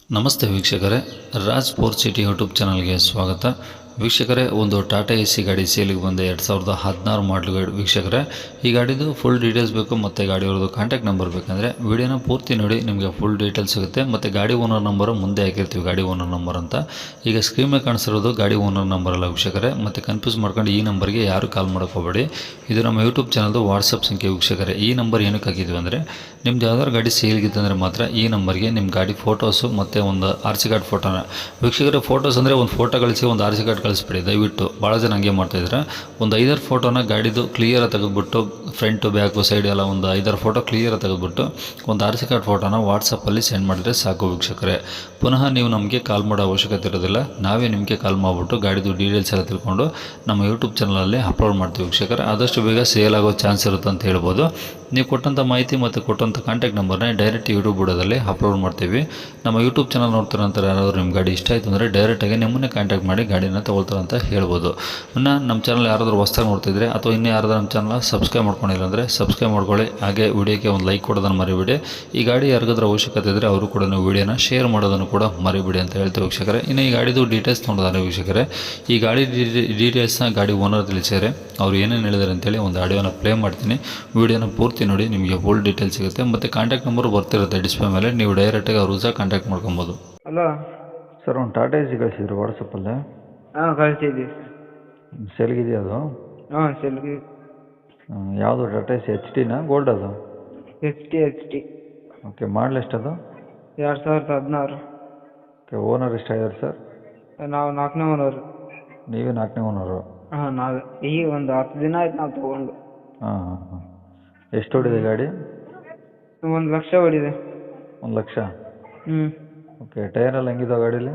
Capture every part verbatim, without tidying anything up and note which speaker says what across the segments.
Speaker 1: ನಮಸ್ತೆ ವೀಕ್ಷಕರೇ, Raj sports city YouTube ಚಾನಲ್ಗೆ ಸ್ವಾಗತ. ವೀಕ್ಷಕರೇ, ಒಂದು ಟಾಟಾ ಎ ಸಿ ಗಾಡಿ ಸೇಲಿಗೆ ಬಂದ ಎರಡು ಸಾವಿರದ ಹದಿನಾರು ಮಾಡಲು ಗಾಡಿ. ವೀಕ್ಷಕರೇ, ಈ ಗಾಡಿದು ಫುಲ್ ಡೀಟೇಲ್ಸ್ ಬೇಕು ಮತ್ತು ಗಾಡಿಯವ್ರದ್ದು ಕಾಂಟ್ಯಾಕ್ಟ್ ನಂಬರ್ ಬೇಕಂದರೆ ವಿಡಿಯೋನ ಪೂರ್ತಿ ನೋಡಿ, ನಿಮಗೆ ಫುಲ್ ಡೀಟೇಲ್ಸ್ ಸಿಗುತ್ತೆ. ಮತ್ತು ಗಾಡಿ ಓನರ್ ನಂಬರು ಮುಂದೆ ಹಾಕಿರ್ತೀವಿ, ಗಾಡಿ ಓನರ್ ನಂಬರ್ ಅಂತ. ಈಗ ಸ್ಕ್ರೀನ್ ಮೇಲೆ ಕಾಣಿಸಿರೋದು ಗಾಡಿ ಓನರ್ ನಂಬರ್ ಅಲ್ಲ ವೀಕ್ಷಕರೇ, ಮತ್ತು ಕನ್ಫ್ಯೂಸ್ ಮಾಡ್ಕೊಂಡು ಈ ನಂಬರ್ಗೆ ಯಾರು ಕಾಲ್ ಮಾಡೋಕ್ಕೋಗಬೇಡಿ. ಇದು ನಮ್ಮ ಯೂಟ್ಯೂಬ್ ಚಾನಲ್ದು ವಾಟ್ಸಪ್ ಸಂಖ್ಯೆ ವೀಕ್ಷಕರೇ. ಈ ನಂಬರ್ ಏನಕ್ಕೆ ಹಾಕಿದ್ವಿ ಅಂದರೆ, ನಿಮ್ದು ಯಾವ್ದಾದ್ರು ಗಾಡಿ ಸೇಲ್ಗಿತ್ತಂದರೆ ಮಾತ್ರ ಈ ನಂಬರ್ಗೆ ನಿಮ್ಮ ಗಾಡಿ ಫೋಟೋಸು ಮತ್ತು ಒಂದು ಆರ್ ಸಿ ಕಾರ್ಡ್ ಫೋಟೋನ. ವೀಕ್ಷಕರೇ, ಫೋಟೋಸ್ ಅಂದರೆ ಒಂದು ಫೋಟೋ ಕಳಿಸಿ ಒಂದು ಆರ್ ಸಿ ಕಾರ್ಡ್ ಕಳಿಸ್ಬಿಡಿ ದಯವಿಟ್ಟು. ಭಾಳ ಜನ ಹಂಗೆ ಮಾಡ್ತಾಯಿದ್ರೆ ಒಂದು ಐದಾರು ಫೋಟೋನ ಗಾಡಿದು ಕ್ಲಿಯರ್ ತೆಗೆದುಬಿಟ್ಟು, ಫ್ರಂಟು ಬ್ಯಾಕು ಸೈಡ್ ಎಲ್ಲ ಒಂದು ಐದಾರು ಫೋಟೋ ಕ್ಲಿಯರ್ ತೆಗೆದುಬಿಟ್ಟು ಒಂದು ಆರ್ ಸಿ ಕಾರ್ಡ್ ಫೋಟೋನ ವಾಟ್ಸಪ್ಪಲ್ಲಿ ಸೆಂಡ್ ಮಾಡಿದರೆ ಸಾಕು ವೀಕ್ಷಕರೇ. ಪುನಃ ನೀವು ನಮಗೆ ಕಾಲ್ ಮಾಡೋ ಅವಶ್ಯಕತೆ ಇರೋದಿಲ್ಲ, ನಾವೇ ನಿಮಗೆ ಕಾಲ್ ಮಾಡಿಬಿಟ್ಟು ಗಾಡಿದು ಡೀಟೇಲ್ಸ್ ಎಲ್ಲ ತಿಳ್ಕೊಂಡು ನಮ್ಮ ಯೂಟ್ಯೂಬ್ ಚಾನಲಲ್ಲಿ ಅಪ್ಲೋಡ್ ಮಾಡ್ತೀವಿ ವೀಕ್ಷಕರೇ. ಆದಷ್ಟು ಬೇಗ ಸೇಲ್ ಆಗೋ ಚಾನ್ಸ್ ಇರುತ್ತೆ ಅಂತ ಹೇಳ್ಬೋದು. ನೀವು ಕೊಟ್ಟಂಥ ಮಾಹಿತಿ ಮತ್ತು ಕೊಟ್ಟಂಥ ಕಾಂಟ್ಯಾಕ್ಟ್ ನಂಬರ್ನ ಡೈರೆಕ್ಟ್ ಯೂಟ್ಯೂಬ್ ಬುಡದಲ್ಲಿ ಅಪ್ಲೋಡ್ ಮಾಡ್ತೀವಿ. ನಮ್ಮ ಯೂಟ್ಯೂಬ್ ಚಾನಲ್ ನೋಡ್ತಾರೆ ಅಂತ ಯಾರಾದರೂ ನಿಮ್ಮ ಗಾಡಿ ಇಷ್ಟ ಆಯಿತು ಅಂದರೆ ಡೈರೆಕ್ಟಾಗಿ ನಿಮ್ಮನ್ನೇ ಕಾಂಟ್ಯಾಕ್ಟ್ ಮಾಡಿ ಗಾಡಿನ ತೊಗೊಳ್ತಾರೆ ಅಂತ ಹೇಳ್ಬೋದು. ಇನ್ನು ನಮ್ಮ ಚಾನಲ್ ಯಾರಾದರೂ ಹೊಸ್ದಾಗಿ ನೋಡ್ತಿದ್ರೆ ಅಥವಾ ಇನ್ನೂ ಯಾರಾದರೂ ನಮ್ಮ ಚಾನಲ್ ಸಬ್ಸ್ಕ್ರೈಬ್ ಮಾಡ್ಕೊಂಡಿಲ್ಲ ಅಂದರೆ ಸಬ್ಸ್ಕ್ರೈಬ್ ಮಾಡ್ಕೊಳ್ಳಿ. ಹಾಗೆ ವಿಡಿಯೋಕ್ಕೆ ಒಂದು ಲೈಕ್ ಕೊಡೋದನ್ನು ಮರಿಬೇಡಿ. ಈ ಗಾಡಿ ಯಾರಿಗಾದ್ರೂ ಅವಶ್ಯಕತೆ ಇದ್ದರೆ ಅವರು ಕೂಡ ನೀವು ವಿಡಿಯೋನ ಶೇರ್ ಮಾಡೋದನ್ನು ಕೂಡ ಮರಿಬೇಡಿ ಅಂತ ಹೇಳ್ತೀವಿ ವೀಕ್ಷಕರೇ. ಇನ್ನು ಈ ಗಾಡಿದು ಡೀಟೇಲ್ಸ್ ನೋಡೋದಾದ್ರೆ ವೀಕ್ಷಕರೇ, ಈ ಗಾಡಿ ಡೀಟೇಲ್ಸ್ನ ಗಾಡಿ ಓನರ್ ತಿಳಿಸಿದರೆ ಅವ್ರು ಏನೇನು ಹೇಳಿದ್ದಾರೆ ಅಂತೇಳಿ ಒಂದು ಆಡಿಯೋನ ಪ್ಲೇ ಮಾಡ್ತೀನಿ. ವಿಡಿಯೋನ ಪೂರ್ತಿ ನೋಡಿ, ನಿಮಗೆ ಫುಲ್ ಡೀಟೇಲ್ಸ್ ಸಿಗುತ್ತೆ. ಮತ್ತು ಕಾಂಟ್ಯಾಕ್ಟ್ ನಂಬರ್ ಬರ್ತಿರುತ್ತೆ ಡಿಸ್ಪ್ಲೇ ಮೇಲೆ, ನೀವು ಡೈರೆಕ್ಟಾಗಿ ಅವ್ರು ಸಹ ಕಾಂಟ್ಯಾಕ್ಟ್ ಮಾಡ್ಕೊಬೋದು.
Speaker 2: ಹಲೋ
Speaker 3: ಸರ್, ಒಂದು ಟಾಟಾ ಎ ಸಿ ಕಳಿಸಿದ್ರು ವಾಟ್ಸಪ್ಪಲ್ಲೇ.
Speaker 2: ಹಾಂ ಕಳಿಸಿದ್ವಿ.
Speaker 3: ಸೇಲ್ಗಿದೆಯಾ ಅದು?
Speaker 2: ಹಾಂ ಸೆಲ್ಗಿ
Speaker 3: ಯಾವುದು ಟಾಟಾ ಎ ಸಿ ಎಚ್ ಟಿನಾ ಗೋಲ್ಡ್ ಅದು?
Speaker 2: H T H T
Speaker 3: okay, model ಎಷ್ಟದು?
Speaker 2: ಎರಡು ಸಾವಿರದ ಹದಿನಾರು.
Speaker 3: ಓಕೆ, ಓನರ್ ಎಷ್ಟಾಗಿದ್ದಾರೆ ಸರ್?
Speaker 2: ನಾವು ನಾಲ್ಕನೇ ಓನರು.
Speaker 3: ನೀವೇ ನಾಲ್ಕನೇ ಓನರು?
Speaker 2: ಹಾಂ ನಾವೇ. ಈಗ ಒಂದು ಹತ್ತು ದಿನ ಆಯ್ತು ನಾವು ತೊಗೊಂಡು.
Speaker 3: ಹಾಂ ಹಾಂ ಹಾಂ ಎಷ್ಟು ಹೊಡಿದೆ ಗಾಡಿ?
Speaker 2: ಒಂದು ಲಕ್ಷ ಹೊಡಿದೆ.
Speaker 3: ಒಂದು ಲಕ್ಷ?
Speaker 2: ಹ್ಞೂ.
Speaker 3: ಓಕೆ, ಟೈರೆಲ್ಲ ಹೆಂಗಿದಾವೆ ಗಾಡೀಲಿ?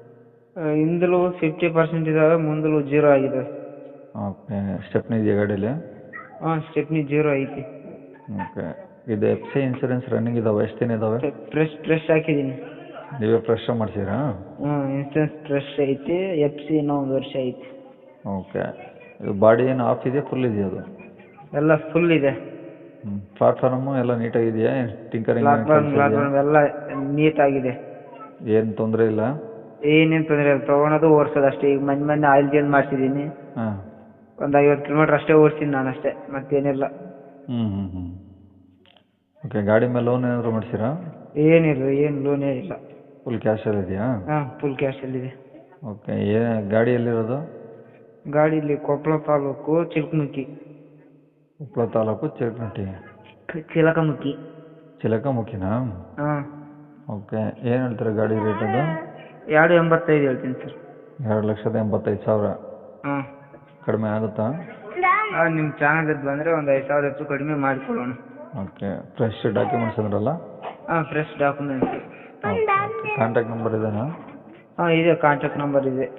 Speaker 2: ಹಿಂದಲೂ ಫಿಫ್ಟಿ ಪರ್ಸೆಂಟ್ ಇದ್ದಾವೆ, ಮುಂದಲೂ ಜೀರೋ ಆಗಿದೆ.
Speaker 3: ಓಕೆ, ಸ್ಟೆಪ್ನಿ ಇದೆಯಾ ಗಾಡೀಲಿ?
Speaker 2: ಹಾಂ ಸ್ಟೆಪ್ನಿ ಜೀರೋ ಐತಿ.
Speaker 3: ಓಕೆ, ಇದು ಎಫ್ ಸಿ ಇನ್ಸೂರೆನ್ಸ್ ರನ್ನಿಂಗ್ ಇದಾವೆ? ಎಷ್ಟು ದಿನ ಇದ್ದಾವೆ?
Speaker 2: ಫ್ರೆಶ್ ಫ್ರೆಶ್ ಹಾಕಿದ್ದೀನಿ.
Speaker 3: ನೀವೇ ಫ್ರೆಶ್ ಮಾಡಿಸಿರಾ?
Speaker 2: ಹ್ಞೂ, ಇನ್ಸೂರೆನ್ಸ್ ಫ್ರೆಶ್ ಐತಿ. ಎಫ್ ಸಿ ಇನ್ನೂ ಒಂದು ವರ್ಷ ಐತಿ.
Speaker 3: ಓಕೆ, ಇದು ಬಾಡಿ ಏನು ಆಫ್ ಇದೆಯಾ ಫುಲ್ ಇದೆಯಾ ಅದು?
Speaker 2: ಎಲ್ಲ ಫುಲ್ ಇದೆ.
Speaker 3: ಹ್ಞೂ, ಪ್ಲಾಟ್ಫಾರ್ಮು ಎಲ್ಲ ನೀಟಾಗಿದೆಯಾ? ಟಿಂಕರಿಂಗ್
Speaker 2: ಪ್ಲಾಟ್ಫಾರ್ಮ್ ಪ್ಲಾಟ್ಫಾರ್ಮ್ ಎಲ್ಲ ನೀಟಾಗಿದೆ.
Speaker 3: ಏನು ತೊಂದರೆ ಇಲ್ಲ?
Speaker 2: ಏನೇನು ತೊಂದರೆ ಇಲ್ಲ. ತೊಗೊಳೋದು ಓಡಿಸೋದು ಅಷ್ಟೇ. ಈಗ ಮೊನ್ನೆ ಮೊನ್ನೆ ಆಯಿಲ್ ಚೇಂಜ್ ಮಾಡಿಸಿದ್ದೀನಿ.
Speaker 3: ಹಾಂ,
Speaker 2: ಒಂದು ಐವತ್ತು ಕಿಲೋಮೀಟ್ರ್ ಅಷ್ಟೇ ಓಡಿಸಿನಿ ನಾನು, ಅಷ್ಟೇ, ಮತ್ತೇನಿಲ್ಲ.
Speaker 3: ಹ್ಞೂ ಹ್ಞೂ ಹ್ಞೂ ಓಕೆ, ಗಾಡಿ ಮೇಲೆ ಲೋನ್ ಏನಾದರೂ ಮಾಡಿಸಿರಾ?
Speaker 2: ಏನಿಲ್ಲ, ಏನು ಲೋನ್ ಏನಿಲ್ಲ.
Speaker 3: ಫುಲ್ ಕ್ಯಾಶಲ್ಲಿ ಇದೆಯಾ?
Speaker 2: ಹಾಂ ಫುಲ್ ಕ್ಯಾಶಲ್ಲಿದೆ.
Speaker 3: ಓಕೆ, ಏ ಗಾಡಿ ಎಲ್ಲಿರೋದು?
Speaker 2: ಗಾಡಿ ಇಲ್ಲಿ ಕೊಪ್ಪಳ ತಾಲೂಕು ಚಿಲ್ಕಮುಖಿ.
Speaker 3: ಕೊಪ್ಪಳ ತಾಲೂಕು ಚಿರಕನಟ್ಟಿ.
Speaker 2: ಚಿಲಕಮುಖಿ.
Speaker 3: ಚಿಲಕಮುಖಿನಾ?
Speaker 2: ಹಾಂ.
Speaker 3: ಓಕೆ, ಏನು ಹೇಳ್ತಾರೆ ಗಾಡಿ ರೇಟ್ ಅದು?
Speaker 2: ಎರಡು ಎಂಬತ್ತೈದು ಹೇಳ್ತೀನಿ ಸರ್.
Speaker 3: ಎರಡು ಲಕ್ಷದ ಎಂಬತ್ತೈದು ಸಾವಿರ?
Speaker 2: ಹಾಂ.
Speaker 3: ಕಡಿಮೆ ಆಗುತ್ತಾ?
Speaker 2: ಹಾಂ, ನಿಮ್ಮ ಚಾನಲ್ದು ಬಂದರೆ ಒಂದು ಐದು ಸಾವಿರ ಹೆಚ್ಚು ಕಡಿಮೆ ಮಾಡಿಕೊಡೋಣ.
Speaker 3: ಓಕೆ, ಫ್ರೆಶ್ ಡಾಕ್ಯುಮೆಂಟ್ಸ್ ಅಂದ್ರಲ್ಲ?
Speaker 2: ಹಾಂ fresh documents.
Speaker 3: Okay, contact number ಇದೆಯಾ?
Speaker 2: ಹಾಂ ಇದೆ, ಕಾಂಟ್ಯಾಕ್ಟ್ ನಂಬರ್ ಇದೆ.